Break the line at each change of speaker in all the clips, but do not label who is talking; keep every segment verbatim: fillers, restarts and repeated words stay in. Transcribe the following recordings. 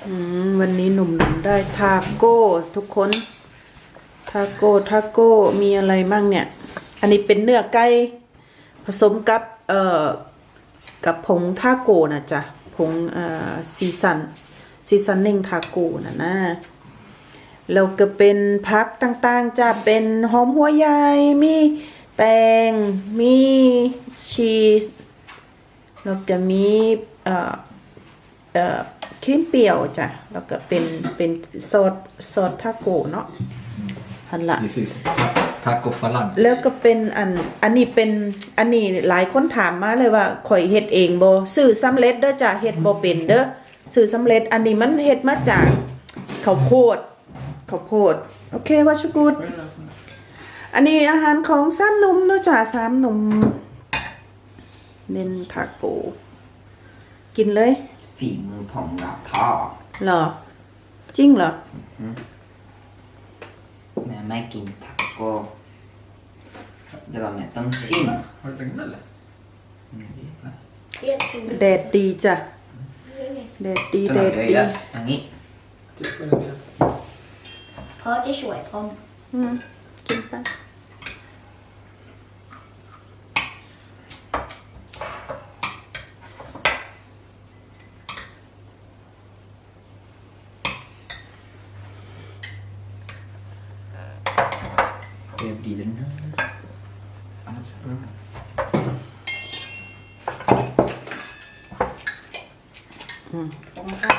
อืมวันนี้หนุ่มๆได้ทาโก้ทุกคนทาโก้ทาโก้มีอะไรบ้างเนี่ยอันนี้เป็นเนื้อไก่ผสมกับเอ่อกับผงทาโก้นะจ๊ะผงเอ่อซีซันซีซันนิ่งทาโก้นะนะแล้วก็เป็นผักต่างๆจะเป็นหอมหัวใหญ่มีแตงมีชีสแล้วก็มีเอ่อเอ่อครีมเปรี้ยวจ้ะแล้วก็เป็นเป็นซอสซอสทาโก้เนาะหันละ
This is taco falan.
แล้วก็เป็นอันอันนี้เป็นอันนี้หลายคนถามมาเลยว่าข่อยเฮ็ดเองบ่ซื้อสำเร็จเด้อจ้ะเฮ็ดบ่เป็นเด้อซื้อสำเร็จอันนี้มันเฮ็ดมาจากข้าวโพดข้าวโพดโอเคว่าชุกุดอันนี้อาหารของสามหนุ่มเนาะจ้ะสามหนุ่มเป็นทาโก้กินเลย
ฝีมือผมกับพ่อ
เหรอจริงเหรอ
แม่ไม่กินทาโก้เดี๋ยวแม่ต้องชิม
Har du pengar eller?
แดดดีจ้ะแดดดี
ต้อง
แด
เอา
ดดี
เยอะๆอันนี้
Typ vad det är.
เพราะจะช่วยผม
อืมกินไป
Det blir den här.
Annars är det bra.
ผมครับ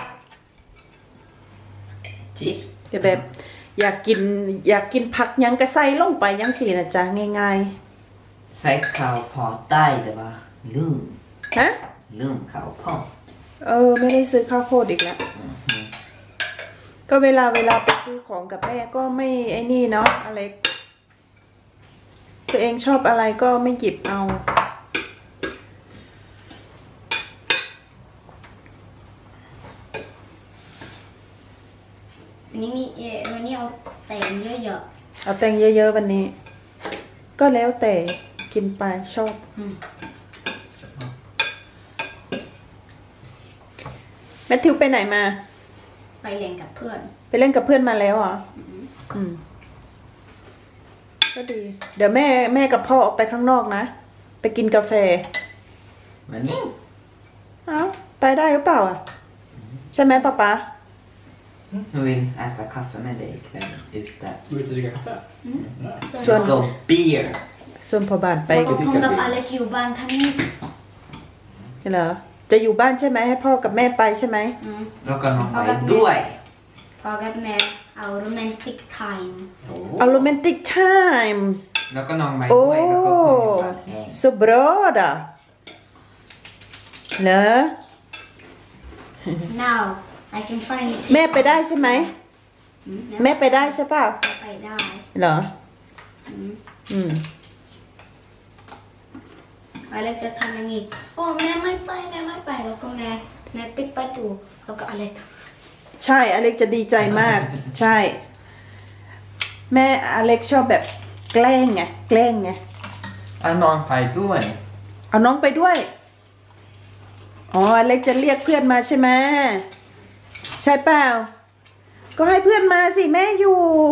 จิ
แต่แบบอยากกินอยากกินผักหยังก็ใส่ลงไปยังสินะจ๊ะง่าย
ใช้ข้าวพอได้แต่ว่าลืม
ๆฮะ
ลืมข้าวพอ
เออไม่ได้ซื้อข้าวโพดอีกแล้ว
อืม
ก็เวลาเวลาไปซื้อของกับแม่ก็ไม่ไอ้นี่เนาะอะไรตัวเองชอบอะไรก็ไม่หยิบเอา
วันนี้มีเออวันนี้เอาแตงเยอะ
เอาแตงเยอะๆวันนี้ ก็แล้วแต่กินไปชอบ
ๆอืม
แมทธิวไปไหนมา
ไปเล่นกับเพื่อน
ไปเล่นกับเพื่อนมาแล้วเหรออืมก็ดี เดี๋ยวแม่แม่กับพ่อออกไปข้างนอกนะ ไปกินกาแฟ
วันนี้
เอ้าไปได้หรือเปล่าอ่ะ ใช่ไหมป๊าป๊า
jag vill äta kaffe med dig ikväll ute.
Gå ut och dricka kaffe?
Swan-
Go beer.
ส่วนพอบานไป
แล้วก็ผมกับอเล็กอยู่บ้านทั้งนี้
เหรอ จะอยู่บ้านใช่ไหมให้พ่อกับแม่ไปใช่ไหม
อืม
แล้วก็น้อง
พอ
ไป
กับแม่
ด้วย
พอกับแม่เอาโรแมนติกไทม์
เอาโรแมนติกไทม์
แล้วก็น้องไป
โอ้
ด้วยแล้วก็คนอยู่บ้านแห้ง
สุบรอดอ่ะเหรอ
now I can find it
แม่ไปได้ใช่ไหม
อืม
แม่ไปได้ใช่เปล่า
ไปได้
เหรอ
อืม
อืม
อเล็กจะทำอย่างนี้โอ้แม่ไม่ไปแม่ไม่ไปแล้วก็แม่แม่ปิดประตูแล้วก็อเล็ก
ใช่อเล็กจะดีใจมาก ใช่ แม่อเล็กชอบแบบแกล้งไงแกล้งไง
เอาน้องไปด้วย
เอาน้องไปด้วย อ๋ออเล็กจะเรียกเพื่อนมาใช่ไหมใช่เปล่า ก็ให้เพื่อนมาสิแม่อยู่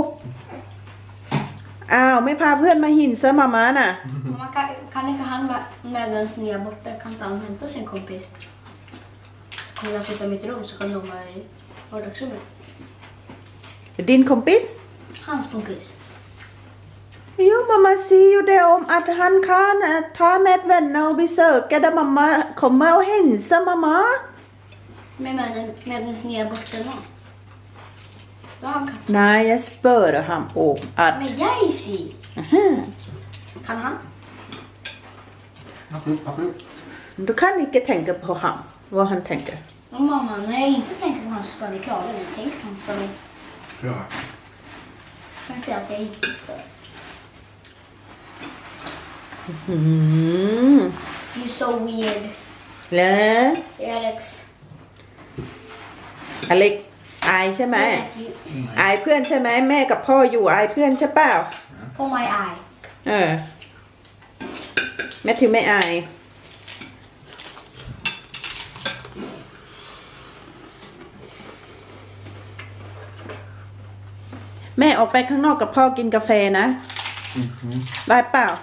อ้าวไม่พาเพื่อนมาหินเซอร์มามาน่ะ
Mamma, kan, kan inte han med, medan ni är borta, kan inte han hämta sin kompis? Så kommer jag sitta i mitt rum så kan de vara i vardagsrummet.
ดินคอมปิส
Hans kompis.
Jo, mamma säger ju det om att han kan ta med vänner och besöka där mamma kommer och hälsa mamma.
Men medan, medan ni är borta nu. Då han kan.
Nej, jag spör han om att...
Men jag ser.
Aha.
Kan han?
Absolut, absolut.
Du kan inte tänka på han, vad han tänker.
Och mamma, när jag inte tänker på han så ska ni klaga mig. Tänk på han ska ni.
Bra.
Men säga att jag inte ska.
Mm.
You're so weird.
แล้ว
Alex.
อเล็กอายใช่ไหม
Look at you.
อายเพื่อนใช่ไหมแม่กับพ่ออยู่อายเพื่อนใช่เปล่า
På my eye.
เออแม่ถือไม่อาย
อ
แม่ออกไปข้างนอกกับพ่อกินกาแฟนะ
Mhm.
ได้เปล่า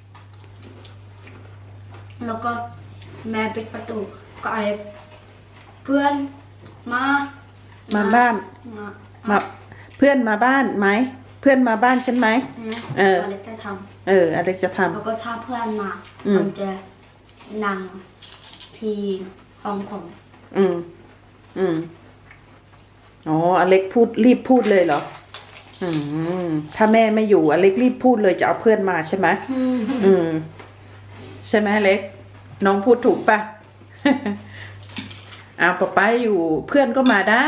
แล้วก็แม่ปิดประตูก็ไอ้เพื่อนมา
มา
มา
บ้าน
มา
มาเพื่อนมาบ้านไหมเพื่อนมาบ้านฉันไหม เออ
อะไรจะท
เอออเล็กจะท
ำแล้วก็ถ้าเพื่อนมา
อืม
ผมจะนั่งที่ห้องผม
ำอืม อืมอ๋ออเล็กพูดรีบพูดเลยเหรอ อืม ถ้าแม่ไม่อยู่อเล็กรีบพูดเลยจะเอาเพื่อนมาใช่ไหมอืม ใช่ไหมอเล็ก น้องพูดถูกปะ อ้าวป๊าป๊าอยู่เพื่อนก็มาได้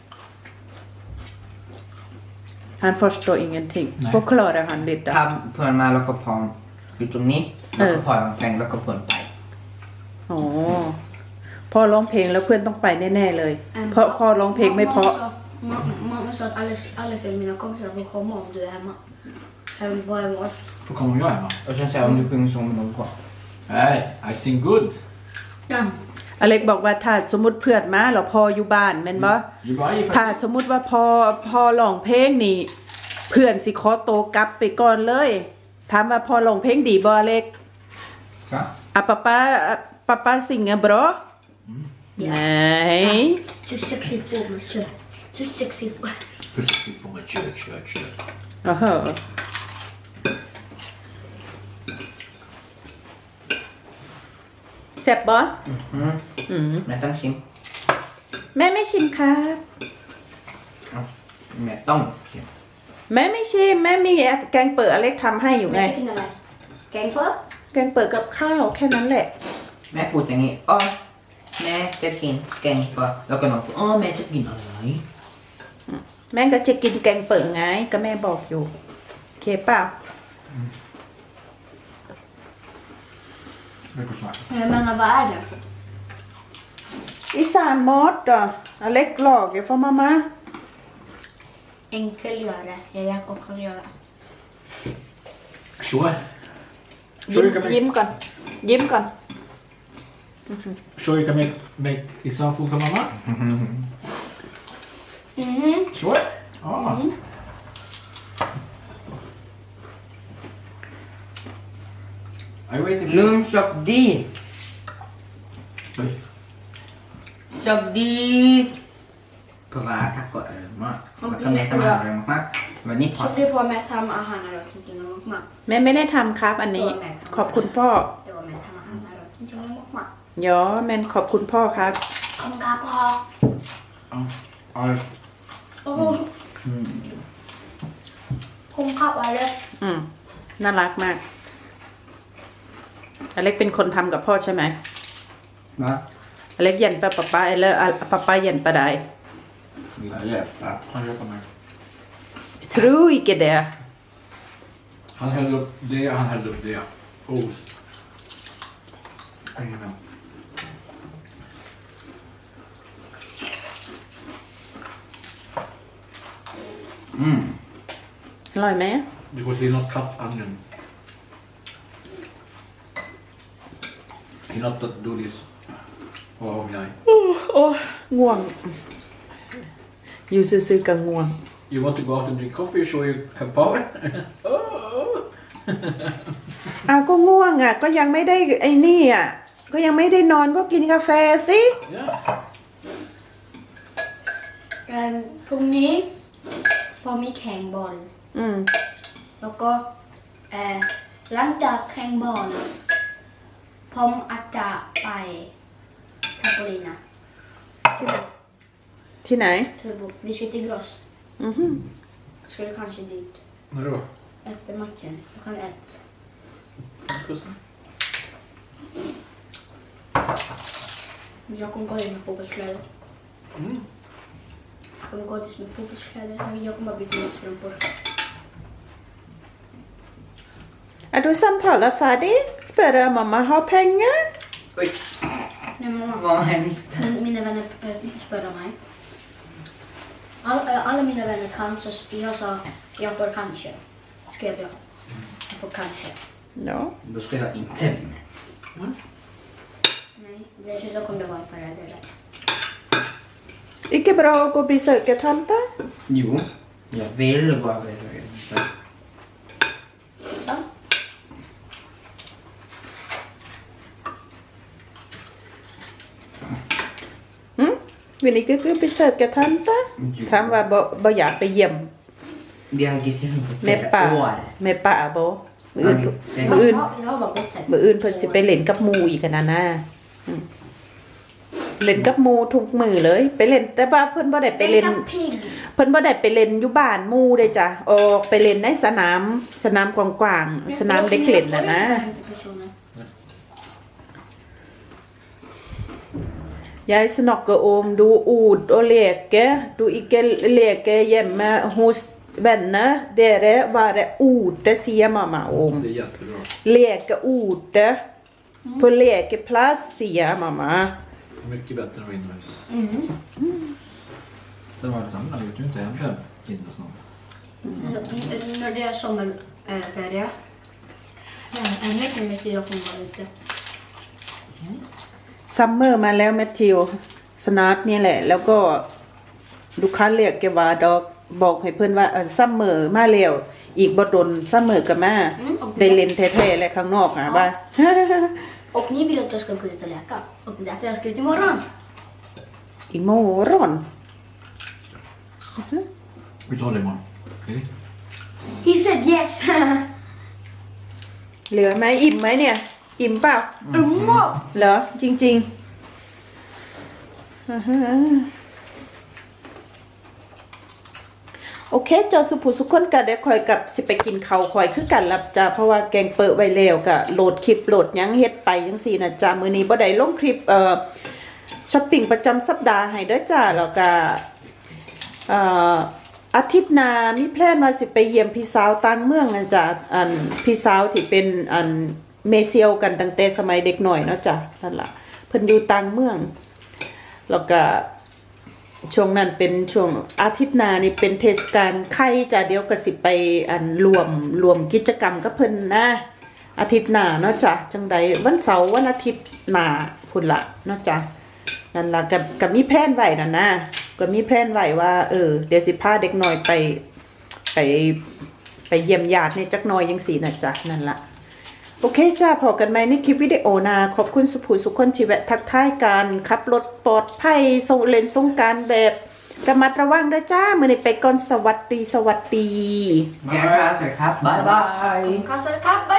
Han förstår ingenting.
Nej.
Förklara han lite.
ถ้าเพื่อนมาแล้วก็พร้อมอยู่ตรงนี้แล้วก็พอลองแฟงแล้วก็เพื่อนไป
อ๋อพ่อร้องเพลงแล้วเพื่อนต้องไปแน่ๆเลย เพราะพ่อร้องเพลงไม่เพราะ
Mamma sa att alla, alla till mina kompisar får komma om du är hemma. Även bara emot.
Då kommer jag hemma.
Och sen säger om du sjunger så med någon kvar.
Nej, I sing good.
Ja.
อเล็กบอกว่าถ้าสมมติเพื่อนมาแล้วพออยู่บ้านแม่นบ่
You buy
ถ้าสมมุติว่าพอพอร้องเพลงนี่เพื่อนสิขอโตวกลับไปก่อนเลยถามว่าพอร้องเพลงดีบ่อเล็ก
Ja.
อ่ะป๊าป๊าอ่ะป๊าป๊าสิงอ่ะบรอไหน
Du sexy på mig, kör. Du sexy på mig.
Försiktigt får man kör, kör, kör.
อ๋อเหรอแซ่บบ่
Mm.
อืม
แม่ต้องชิม
แม่ไม่ชิมครับ
เอาแม่ต้องชิม
แม่ไม่ชิมแม่มีแกงเปิดอเล็กทำให้อยู่ไง
Jag tycker den är Gang på.
แกงเปิดกับข้าวแค่นั้นแหละ
แม่พูดอย่างนี้อ๋อแม่จะกินแกงปลาแล้วก็น้องพูดอ๋อแม่จะกินอะไร
แม่ก็จะกินแกงเปิดไงก็แม่บอกอยู่โอเคเปล่า
Det går snart.
Jag menar, vad är det?
อีสานมดอ่ะอเล็กหลอกอยู่ฟอมามา
Enkelgöra. Jag jag också göra.
Sure.
ยิ้ม
Sure, you can
ยิ้ม
make,
ก่อน ยิ้มก่อน
sure you can make, make Isan food for mamma?
Mhm.
Sure. Ah. I waited
ลืมชอบดี
Oj.
ชอบดีเพราะว่าถ้าก็อร่อยมากแล้วก็แม่ทำอาหารอร่อยมากๆวันนี้พอ
Så det var med tam ahan och inte något mat.
แม่ไม่ได้ทำครับอันนี้ ขอบคุณพ่อ
Det var med tam ahan och inte något mat.
ยอแมนขอบคุณพ่อครับ
Kom gap ha.
Ja,
Oh. Kom gap eller?
อืมน่ารักมากอเล็กเป็นคนทำกับพ่อใช่ไหม
นะ
อเล็กเย็นปะป๊าป๊าเอเลอร์ป๊าป๊าเย็นปะได้
เยอะปะ
han hjälper mig.
Tror ikke det.
Han hällde upp det, han hällde upp det. Oh. Ingen med.
Mm.
อร่อยไหม
Det går till något cut onion. He not do this. Oh, yeah.
โอ้ง่วง อยู่ซื่อๆกับง่วง
You want to go out and drink coffee so you have power? Oh.
อ้าวก็ง่วงอ่ะ ก็ยังไม่ได้ไอ้นี่อ่ะ ก็ยังไม่ได้นอนก็กินกาแฟสิ
Yeah.
Um, พรุ่งนี้พอมีแข่งบอล
อืม
แล้วก็เอ่อหลังจากแข่งบอลผมอาจจะไปทับลีนะ
ที่ไหน ที่ไหน
Turbo. Vi ska till Gross.
อือหือ
Skulle kanske dit
När då?
efter matchen. Klockan ett.
Kussen?
Jag kommer gå dit med fotbollskläder.
Mm.
Jag kommer gå dit med fotbollskläder. Jag kommer byta mina strumpor.
Er du samtaler ferdig? Spør jeg mamma har penger?
Oj,
Nej, mamma.
vad hemskt.
Min- Mina vänner äh, spöade mig. All, äh, alla mina vänner kan, så jag sa jag får kanske. Skrev jag. Jag får kanske.
Ja.
Då ska jag inte bli med.
Nej, dessutom kommer det vara en förälder där.
Ikke bra å gå og besøke tante?
Jo, Jag vill bara veta.
Så.
วันนี้ก็คือไปเสิร์ฟกับท่านปะถามว่าบ่บ่อยากไปเยี่ยม
Vi har gissat på
แม่ป่า
flera år.
แม่ป่าบ่มื้ออื่น
Ja,
มื้ออื่น
Jag har bara gått här.
มื้ออื่นเพิ่นสิไปเล่นกับหมู่อีกกันนะนะอืมเล่นกับหมู่ทุกมื้อเลย ไปเล่นแต่ว่าเพิ่นบ่ได้ไปเล่น
Leka pigg.
เพิ่นบ่ได้ไปเล่นอยู่บ้านหมู่เด้จ้ะออกไปเล่นในสนามสนามกว้างๆสนามเด็กเล่นน่ะนะ Jeg snakker om du ord og leke. Du ikke leker hjemme hos venner. Dere være ute, sier mamma om.
Det är jättebra.
Leke ute. På lekeplass, sier mamma.
Mycket bättre än inomhus.
Mm.
Sen var det samma, du vet ju inte hem själv. Kinda snart.
N- När det är sommarferie. En vecka med ska jag få vara ute.
ซัมเมอร์มาแล้วแมทธิวสนาร์ทนี่แหละ แล้วก็ลูกค้าเรียกแกว่าดอกบอกให้เพื่อนว่าเออซัมเมอร์มาแล้วอีกบ่ดนซัมเมอร์กับมา
อืมโอเค
ได้เล่นแท้ๆและข้างนอกหาว่า
Och ni vill att jag ska gå ut och leka. Och det är därför jag ska ut imorgon.
อีโมร้อน
Vi tar det imorgon. Okej?
He said yes.
เหลือไหมอิ่มไหมเนี่ย อิ่มเปล่า
Wow.
เหรอ จริงๆอ่าฮะโอเคเจ้าสุภูสุขคนกันเดี๋ยวคอยกับสิไปกินข้าวคอยคือกันลับจ้าเพราะว่าแกงเปิดไว้แล้วก็โหลดคลิปโหลดหยังเฮ็ดไปจังซี่นะจ้ามื้อนี้บ่ได้ลงคลิปเอ่อช้อปปิ้งประจำสัปดาห์ให้เด้อจ้าแล้วก็เอ่ออาทิตย์หน้ามีแพลนว่าสิไปเยี่ยมพี่สาวต่างเมืองนะจ้าอันพี่สาวที่เป็นอันเมเซียวกันตั้งแต่สมัยเด็กหน่อยเนาะจ้ะนั่นล่ะเพิ่นอยู่ต่างเมืองแล้วก็ช่วงนั้นเป็นช่วงอาทิตย์หน้านี่เป็นเทศกาลไข่จ้ะเดี๋ยวก็สิไปอันรวมรวมกิจกรรมกับเพิ่นนะอาทิตย์หน้าเนาะจ้ะจังใดวันเสาร์วันอาทิตย์หน้าพุ่นละเนาะจ้ะนั่นล่ะก็ก็มีแพลนไว้นั่นนะก็มีแพลนไว้ว่าเออเดี๋ยวสิพาเด็กน้อยไปไปไปเยี่ยมญาติในจักหน่อยจังซี่นะจ้ะนั่นล่ะโอเคจ้าพอกันไหมในคลิปวิดีโอนาขอบคุณสุภูสุขคนที่แวะทักทายกันขับรถปลอดภัยส่งเลนส่งการแบบระมัดระวังด้วยจ้ามือนี้ไปก่อนสวัสดีสวัสดี
Ja, tack. Bye bye.
Kasta kapp. Bye